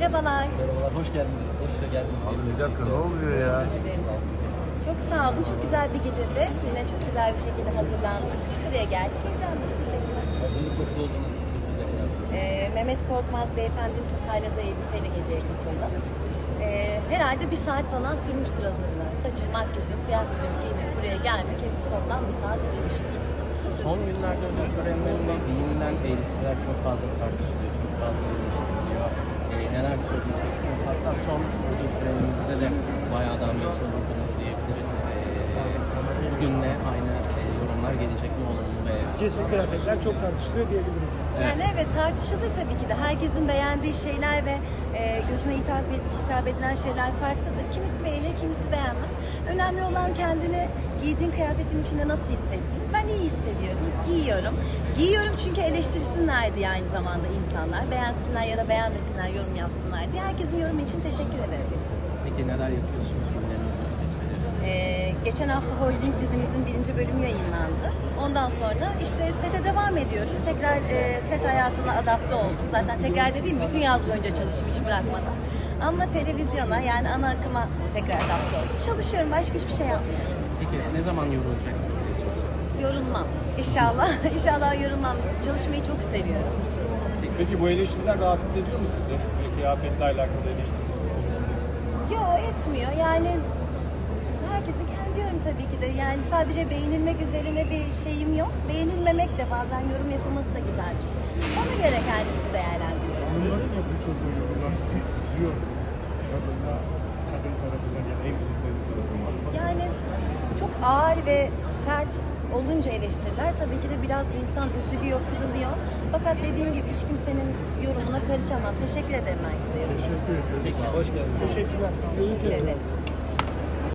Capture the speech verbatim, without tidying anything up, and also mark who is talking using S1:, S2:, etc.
S1: Merhabalar.
S2: Merhabalar, hoş geldiniz. Hoş geldiniz.
S3: Abi bir dakika, ne oluyor ya?
S1: Çok sağ olun. Çok güzel bir gecede. Yine çok güzel bir şekilde hazırlandık. Buraya geldik. Heyecanlıyız. Teşekkürler.
S2: Hazırlık nasıl oldu, nasıl sürdü biraz?
S1: Ee, Mehmet Korkmaz beyefendinin tasarladığı elbiseyle geceye katıldım. Ee, herhalde bir saat falan sürmüştür hazırlığı. Saçım, makyajım, kıyafetimi giymek, buraya gelmek hepsi toplam bir saat sürmüştür.
S2: Son günlerde ödül törenlerinde giyinilen elbiseler çok fazla tartışılıyor, çok fazla eleştiriliyor. Ee, neler söyleyeceksiniz? Hatta son ödül törenimizde de bayağı damgasını vurdunuz diyebiliriz. Ee, bugünle aynı e, yorumlar gelecek mi olumlu ve...
S4: Cesur kıyafetler çok tartışılıyor diyebiliriz.
S2: Evet.
S1: Yani evet tartışılır tabii ki de. Herkesin beğendiği şeyler ve e, gözüne hitap, et, hitap edilen şeyler farklıdır. Kimisi beğenir, kimisi beğenmez. Önemli olan kendini giydiğin kıyafetin içinde nasıl hissettiğin. Ben iyi hissediyorum, giyiyorum. Giyiyorum çünkü eleştirsinler diye aynı zamanda insanlar. Beğensinler ya da beğenmesinler, yorum yapsınlar diye. Herkesin yorumu için teşekkür ederim.
S2: Peki neler yapıyorsunuz? Günleriniz nasıl geçmedi?
S1: Ee, geçen hafta Holding dizimizin birinci bölümü yayınlandı. Ondan sonra işte sete devam ediyoruz. Tekrar e, set hayatına adapte oldum. Zaten tekrar dediğim bütün yaz boyunca çalıştım hiç bırakmadan. Ama televizyona yani ana akıma tekrar adapte oldum. Çalışıyorum, başka hiçbir şey yapmıyorum.
S2: Peki ne zaman yorulacaksınız diye soruyorum.
S1: Yorulmam. İnşallah, inşallah yorulmam. Çalışmayı çok seviyorum.
S4: Peki bu eleştiriler rahatsız ediyor mu sizi? Böyle kıyafetle alakalı eleştiriler konuşuyorsunuz.
S1: Yo etmiyor. Yani herkesin kendi yorumu tabii ki de. Yani sadece beğenilmek üzerine bir şeyim yok. Beğenilmemek de bazen yorum yapılması da güzel bir şey. Ona göre kendimizi değerlendiriyoruz.
S4: Hanımların yapmış olduğu yorumlar sizi üzüyor mu? Kadınla, kadın tarafından ya da en kızlarınız tarafından.
S1: Yani çok ağır ve sert olunca eleştiriler tabii ki de biraz insan üzülüyor, kırılıyor. Fakat dediğim gibi hiç kimsenin yorumuna karışamam. Teşekkür ederim herkese.
S4: Teşekkür ediyoruz.
S2: Peki, hoş geldiniz.
S4: Teşekkürler.
S1: Teşekkür ederim.